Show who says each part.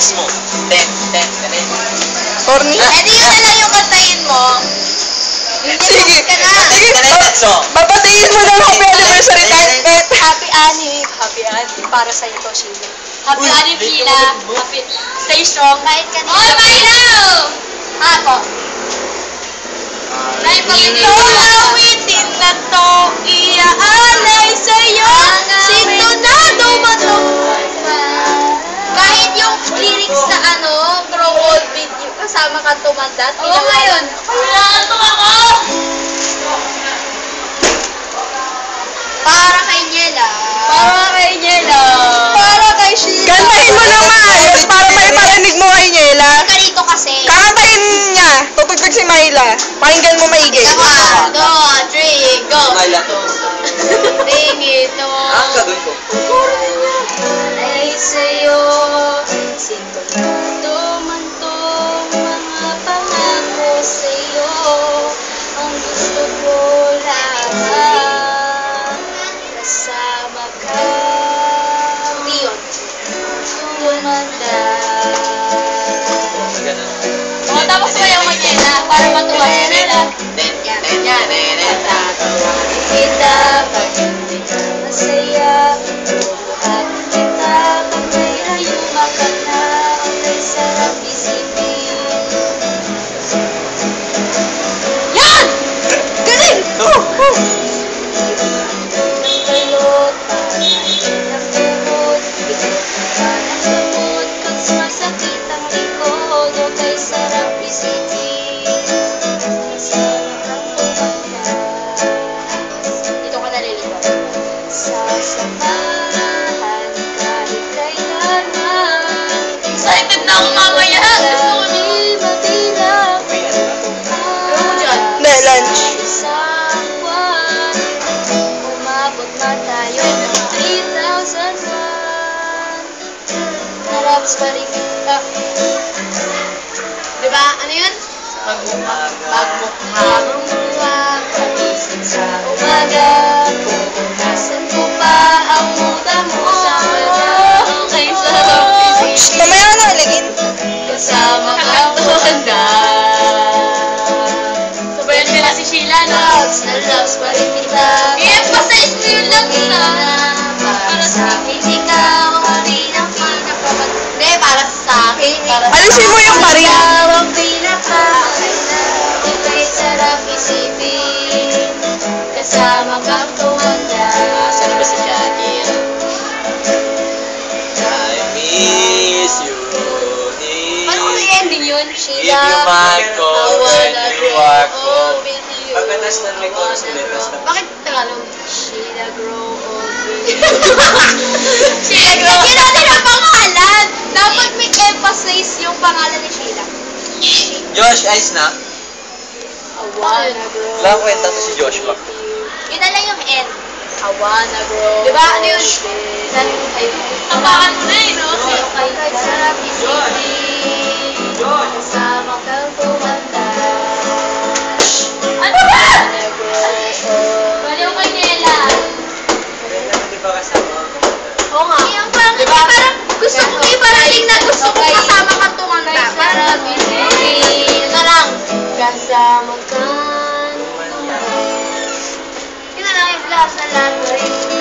Speaker 1: next mo. 10.
Speaker 2: Corny?
Speaker 3: Eh di yun na lang yung kantahin mo.
Speaker 2: Sige.
Speaker 3: Ka na.
Speaker 2: Babatiin mo na happy anniversary tayo.
Speaker 4: Happy Annie. Happy Annie. Para sa'yo to, Sheila. Happy Annie, Sheila. Happy. Stay strong.
Speaker 3: Kahit kanina.
Speaker 4: Oh, my love! Ako.
Speaker 3: Ito awitin na to, iaalay sa'yo. Sino na dumato? Kahit yung lyrics sa grow old with you, kasama ka tumanda.
Speaker 4: Oo, ngayon. Kailangan to ako!
Speaker 3: Para kay Niela.
Speaker 4: Para kay Niela.
Speaker 3: Para kay Sheila.
Speaker 2: Kantahin mo ng maayos para may parinig mo kay Niela.
Speaker 3: Karito kasi.
Speaker 2: Kakantahin niya. Tutugtog si Myla. Pakinggan mo maigi.
Speaker 3: 1, 2, 3, go!
Speaker 1: Mala to.
Speaker 3: Tingin ito.
Speaker 1: Ang gagawin ko.
Speaker 3: Ay sa'yo, sintonado man tong mga pangako sa'yo. Ang gusto ko lang, kasama ka. Diyon. Tumanda.
Speaker 4: Tapos sayaw mo Niela para matuwa si Niela.
Speaker 3: Yan. Tatawarin kita pag hindi ka masaya. Bubuhatin kita pag may ayuma ka na. Ang sarap isipin. Yan! Galing! Ng balot, parang ng buhod. Bigyan ka ng gamot pag sumasakit ang likod. O kay sarap isipin. Kasama kang tumanda. Dito ka nalilito. Sasamahan kahit kailanman.
Speaker 4: Excited na ako mamaya. Gusto ko na.
Speaker 3: Matilang
Speaker 4: Ano mo dyan?
Speaker 2: Hindi, lunch.
Speaker 3: Isang buwan, umabot man tayo ng 3,000 buwan. Naraps pa rin kita. Diba? Ano yun? Pagmukhang luwag, pagising sa umaga. Pupunasan ko pa ang muda mo.
Speaker 4: Okay, sarap isipin.
Speaker 2: Mamaya na aligin.
Speaker 3: Kasama kang tumanda.
Speaker 4: Sabayan ka na si Sheila, no?
Speaker 3: Loves na loves pa rin kita.
Speaker 4: I-emphasize mo yun lang sa...
Speaker 3: Para sa akin, ikaw ang pinaka-pinaka. Hindi, para sa akin.
Speaker 2: Alisin mo yung pari.
Speaker 3: Ikaw ang pinaka-pinaka. Ika'y sarap isipin. Kasama kang tumanda.
Speaker 1: Saan ba si Jackie? I miss you.
Speaker 3: Paano kung ending yun?
Speaker 1: Give
Speaker 3: Sheila,
Speaker 1: you my call when you are cold.
Speaker 3: with you.
Speaker 1: Pagkatas na may chorus ulit.
Speaker 3: Bakit Tagalog? Sheila grow old with you. Sheila grow old. Lagyan natin ang pangalan. Dapat may emphasize yung pangalan ni Sheila.
Speaker 1: Josh, ayos na.
Speaker 3: I wanna grow.
Speaker 1: Wala kwenta to si Joshua.
Speaker 3: Yun na lang yung end. I wanna grow. Diba? Ano yun?
Speaker 4: Tapakan mo na eh, no?
Speaker 3: Kahit sarap isipin. Kasama kang tumanda.
Speaker 4: Ano ba?
Speaker 3: Wanna grow old.
Speaker 4: Baliw kay Niela.
Speaker 1: Di ba kasama?
Speaker 3: Oo nga. Diba? Parang gusto ko iparating na gusto ko kasama kang tumanda. Parang yun na lang. Kasama kang tumanda. Yun na lang yung last na lahat.